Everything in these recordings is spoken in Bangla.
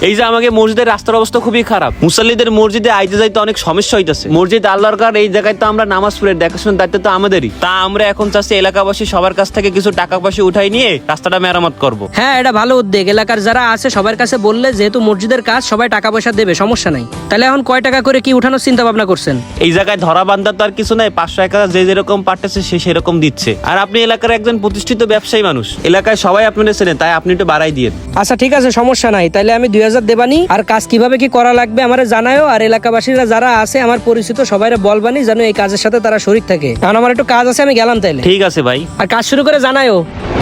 এই যে আমাকে মসজিদের রাস্তার অবস্থা খুবই খারাপ, মুসল্লিদের মসজিদে আইতে যাইতে অনেক সমস্যা হইতেছে। মসজিদ আল্লাহর ঘর, এই জায়গায় তো আমরা নামাজ পড়ে দেখাশোনার দায়িত্ব তো আমাদেরই। তা আমরা এখন চাচ্ছি এলাকাবাসী সবার কাছ থেকে কিছু টাকা পয়সা উঠাই নিয়ে রাস্তাটা মেরামত করব। হ্যাঁ, এটা ভালো উদ্যোগ। এলাকার যারা আছে সবার কাছে বললে, যেহেতু মসজিদের কাজ, সবাই টাকা পয়সা দেবে, সমস্যা নাই। তাহলে এখন কয় টাকা করে কি উঠানোর চিন্তা ভাবনা করছেন? এই জায়গায় ধরা বান্ধা তো আর কিছু নাই, 500-1000 যে যেরকম পারতেছে সে সেরকম দিচ্ছে। আর আপনি এলাকার একজন প্রতিষ্ঠিত ব্যবসায়ী মানুষ, এলাকায় সবাই আপনাদের চেনে, তাই আপনি একটু বাড়াই দিয়ে। আচ্ছা ঠিক আছে, সমস্যা নাই। তাহলে আমি 2000 দেবানি। আর কাজ কিভাবে কি করা লাগবে আমারে জানায়ও। আর এলাকাবাসীরা যারা আছে আমার পরিচিত সবাইরে বলবানি যেন এই কাজের সাথে তারা শরীক থাকে। কারণ আমার একটু কাজ আছে, আমি গেলাম তাইলে। ঠিক আছে ভাই। আর কাজ শুরু করে জানায়ও।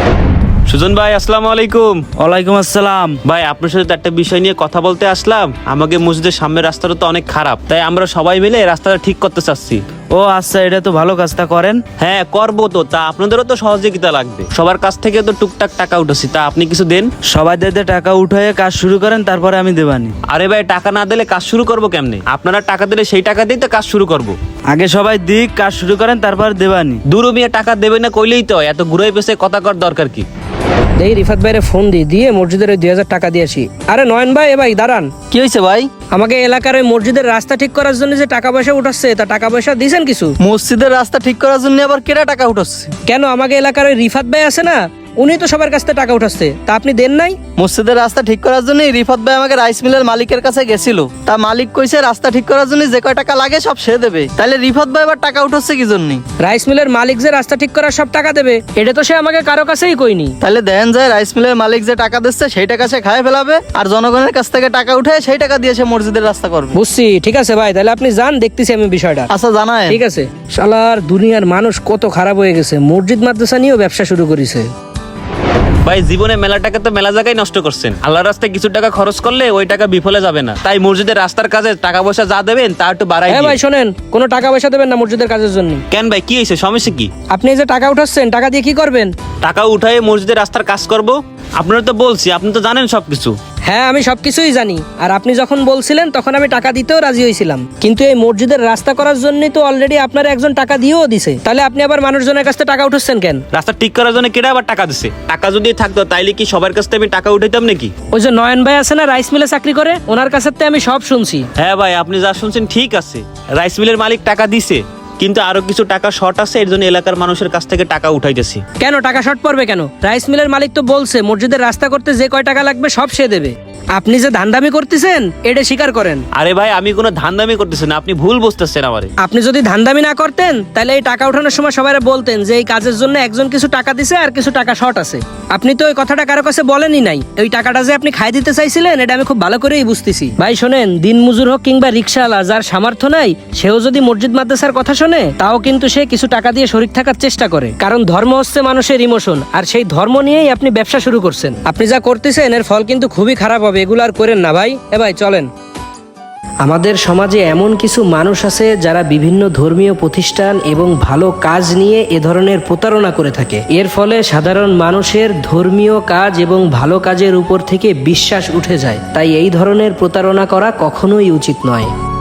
সুজন ভাই, আসসালামু আলাইকুম। ওয়ালাইকুম আসসালাম। ভাই আপনার সাথে একটা বিষয় নিয়ে কথা বলতে আসলাম। আমাকে মসজিদের সামনের রাস্তাটা তো অনেক খারাপ, তাই আমরা সবাই মিলে রাস্তাটা ঠিক করতে চাচ্ছি। ও আচ্ছা, এটা তো ভালো কাজটা করেন। হ্যাঁ করবো তো, তা আপনাদেরও তো সহযোগিতা লাগবে। সবার কাছ থেকে তো টুকটাক টাকা উঠেছি, তা আপনি কিছু দেন। সবাই দিয়ে টাকা উঠায় কাজ শুরু করেন, তারপরে আমি দেবানি। আরে ভাই, টাকা না দিলে কাজ শুরু করবো কেমনে? আপনারা টাকা দিলে সেই টাকা দিয়ে তো কাজ শুরু করবো। আগে সবাই দিক, কাজ শুরু করেন, তারপর দেবানি। দূর মিয়া, টাকা দেবে না কইলেই তো, এত ঘুরাই পেছে কথা কর দরকার কি? এই রিফাত ভাইরে ফোন দিয়ে মসজিদের ওই 2000 টাকা দিয়ে আসি। আরে নয়ন ভাই, এ ভাই দাঁড়ান। কি হয়েছে ভাই? আমাকে এলাকার ওই মসজিদের রাস্তা ঠিক করার জন্য যে টাকা পয়সা উঠাচ্ছে, তা টাকা পয়সা দিয়েছেন কিছু? মসজিদের রাস্তা ঠিক করার জন্য আবার কেটা টাকা উঠাচ্ছে? কেন, আমাকে এলাকার ওই রিফাত ভাই আছে না, উনি তো সবার কাছ থেকে টাকা উঠাচ্ছে, তা আপনি দেন নাই? মসজিদের রাস্তা ঠিক করার জন্য রিফাত ভাই আমাকে রাইস মিলের মালিকের কাছে গেছিল। তা মালিক কইছে রাস্তা ঠিক করার জন্য যে কয় টাকা লাগে সব সে দেবে। তাহলে রিফাত ভাই আবার টাকা উঠাচ্ছে কি জন্য? রাইস মিলের মালিক যে রাস্তা ঠিক করার সব টাকা দেবে, এটা তো সে আমাকে কারো কাছেই কইনি। তাহলে দেন যায় রাইস মিলের মালিক যে টাকা দিচ্ছে সেই টাকা সে খায় ফেলাবে, আর জনগণের কাছ থেকে টাকা উঠে সেই টাকা দিয়ে সে মসজিদের রাস্তা করবে। বুঝছি, ঠিক আছে ভাই, তাহলে আপনি যান, দেখতেছি আমি বিষয়টা। আচ্ছা জানায়। ঠিক আছে। শালার দুনিয়ার মানুষ কত খারাপ হয়ে গেছে, মসজিদ মাদ্রাসা নিয়েও ব্যবসা শুরু করেছে। ভাই জীবনে মেলা টাকা তো মেলা জায়গায় নষ্ট করছেন। আল্লাহর রাস্তায় কিছু টাকা খরচ করলে ওই টাকা বিফলে যাবে না, তাই মসজিদের রাস্তার কাজে টাকা পয়সা যা দেবেন তা একটু বাড়াই হ্যাঁ ভাই দিন। শোনেন, কোনো টাকা পয়সা দেবেন না মসজিদের কাজের জন্য। কেন ভাই, কি হয়েছে? সমস্যা কি? আপনি এই যে টাকা উঠাচ্ছেন, টাকা দিয়ে কি করবেন? টাকা উঠায় মসজিদের রাস্তার কাজ করব। আপনারা তো বলছি, আপনি তো জানেন সবকিছু। হ্যাঁ, আমি সবকিছুই জানি। আর আপনি যখন বলছিলেন তখন আমি টাকা দিতেও রাজি হয়েছিলাম, কিন্তু এই মসজিদের রাস্তা করার জন্যই তো অলরেডি আপনার একজন টাকা দিয়েও দিছে। তাহলে আপনি আবার মানুষজনের কাছ থেকে টাকা উঠাচ্ছেন কেন? রাস্তা ঠিক করার জন্য কেটে আবার টাকা দিছে। টাকা যদি থাকতো তাইলে কি সবার কাছ থেকে আমি টাকা উঠাইতাম নাকি? ওই যে নয়ন ভাই আছে না, রাইস মিলে চাকরি করে, ওনার কাছে আমি সব শুনছি। হ্যাঁ ভাই, আপনি যা শুনছেন ঠিক আছে। রাইস মিলের মালিক টাকা দিছে, কিন্তু আরো কিছু টাকা শর্ট আছে, এর জন্য এলাকার মানুষের কাছ থেকে টাকা উঠাইতেছি। কেন টাকা শর্ট পড়বে কেন? রাইস মিলের মালিক তো বলছে মসজিদের রাস্তা করতে যে কয় টাকা লাগবে সব সে দেবে। আপনি যে ধান্দামি করতেছেন এটা স্বীকার করেন। আরে ভাই, আমি কোনো ধান্দামি করতেছি না, আপনি ভুল বুঝতেছেন আমারে। আপনি যদি ধান্দামি না করতেন তাহলে এই টাকা উঠানোর সময় সবাই বলতেন যে এই কাজের জন্য একজন কিছু টাকা দিছে আর কিছু টাকা শর্ট আছে। আপনি তো ওই কথাটা কারো কাছে বলেনই নাই। ওই টাকাটা যে আপনি খাই দিতে চাইছিলেন এটা আমি খুব ভালো করেই বুঝতেছি। ভাই শোনেন, দিন মজুর হোক কিংবা রিক্সাওয়ালা, যার সামর্থ্য নাই সেও যদি মসজিদ মাদ্রাসার কথা শোনে তাও কিন্তু সে কিছু টাকা দিয়ে শরীক থাকার চেষ্টা করে। কারণ ধর্ম হচ্ছে মানুষের ইমোশন, আর সেই ধর্ম নিয়েই আপনি ব্যবসা শুরু করছেন। আপনি যা করতেছেন এর ফল কিন্তু খুবই খারাপ হবে, এগুলো আর করেন না ভাই। ভাই চলেন। আমাদের সমাজে এমন কিছু মানুষ আছে যারা বিভিন্ন ধর্মীয় প্রতিষ্ঠান এবং ভালো কাজ নিয়ে এ ধরনের প্রতারণা করে থাকে। এর ফলে সাধারণ মানুষের ধর্মীয় কাজ এবং ভালো কাজের উপর থেকে বিশ্বাস উঠে যায়। তাই এই ধরনের প্রতারণা করা কখনোই উচিত নয়।